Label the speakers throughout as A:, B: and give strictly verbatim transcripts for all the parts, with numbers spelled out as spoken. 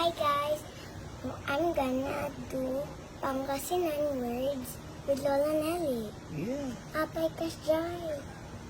A: Hi guys, I'm gonna do Pangasinan words with Lola Nelly.
B: Yeah.
A: Apay kas joy.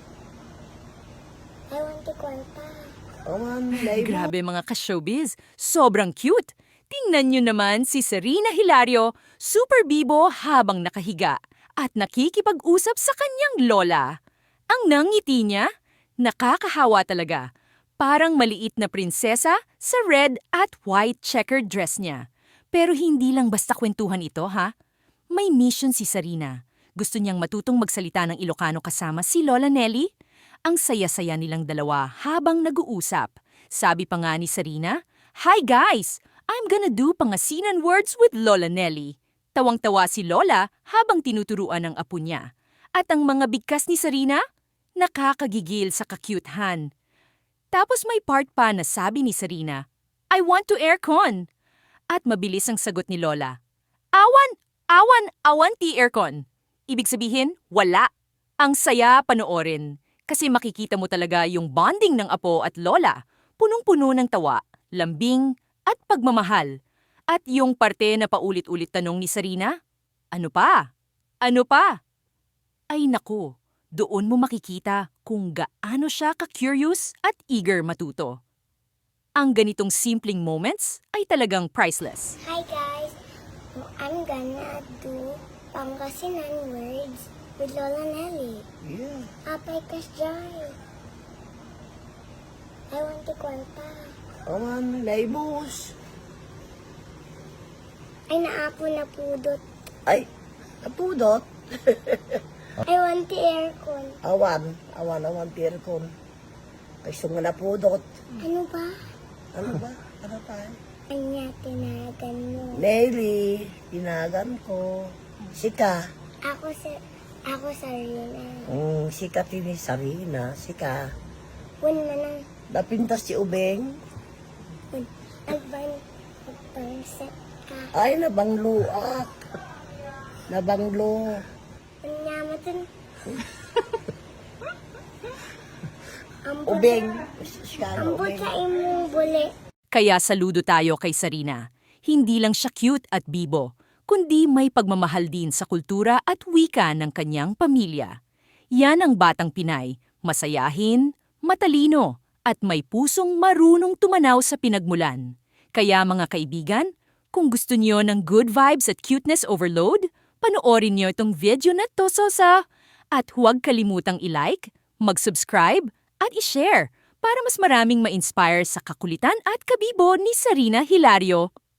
A: I want to kwarta.
B: Aman, naibo.
C: Grabe mga ka-showbiz, sobrang cute. Tingnan nyo naman si Serena Hilario, super bibo habang nakahiga at nakikipag-usap sa kanyang lola. Ang nangiti niya, nakakahawa talaga. Parang maliit na prinsesa sa red at white checkered dress niya. Pero hindi lang basta kwentuhan ito, ha? May mission si Serena. Gusto niyang matutong magsalita ng Ilocano kasama si Lola Nelly. Ang saya-saya nilang dalawa habang nag-uusap. Sabi pa nga ni Serena, "Hi guys! I'm gonna do Pangasinan words with Lola Nelly." Tawang-tawa si Lola habang tinuturuan ng apo niya. At ang mga bigkas ni Serena, nakakagigil sa kakyuthan. Tapos may part pa na sabi ni Serena, "I want to aircon." At mabilis ang sagot ni Lola, "Awan, awan, awan ti aircon." Ibig sabihin, wala. Ang saya panoorin. Kasi makikita mo talaga yung bonding ng apo at lola. Punong-puno ng tawa, lambing, at pagmamahal. At yung parte na paulit-ulit tanong ni Serena, "Ano pa? Ano pa?" Ay naku, doon mo makikita kung gaano siya ka-curious at eager matuto. Ang ganitong simpleng moments ay talagang priceless.
A: Hi guys, I'm gonna do Pangasinan words with Lola Nelly.
B: Yeah.
A: Apay kas joy. I want to kwarta.
B: Aman, naibos.
A: Ay naapo na pudot.
B: Ay, napudot.
A: I want the aircon.
B: Awan, awan, awan, tirkon. Ay, sunga napudot.
A: Ano ba?
B: Ano ba? Ano tayo?
A: Anya tinagan mo.
B: Nelly, tinagan ko. Sika.
A: Ako sa ako sa Rina.
B: Mm, sika tini Sarina. Sika.
A: Wun manang
B: Napintas si Ubeng.
A: wun. Agban pagpanset ka.
B: Ay, nabanglo ak. Nabanglo.
A: Anya matun.
B: Ubeng. Siya,
A: Ambot
B: Ubeng.
A: sa imong buli.
C: Kaya saludo tayo kay Serena. Hindi lang siya cute at bibo, kundi may pagmamahal din sa kultura at wika ng kanyang pamilya. Yan ang batang Pinay, masayahin, matalino, at may pusong marunong tumanaw sa pinagmulan. Kaya mga kaibigan, kung gusto niyo ng good vibes at cuteness overload, panoorin niyo itong video na to sa at huwag kalimutang i-like, mag-subscribe, at i-share para mas maraming ma-inspire sa kakulitan at kabibo ni Serena Hilario.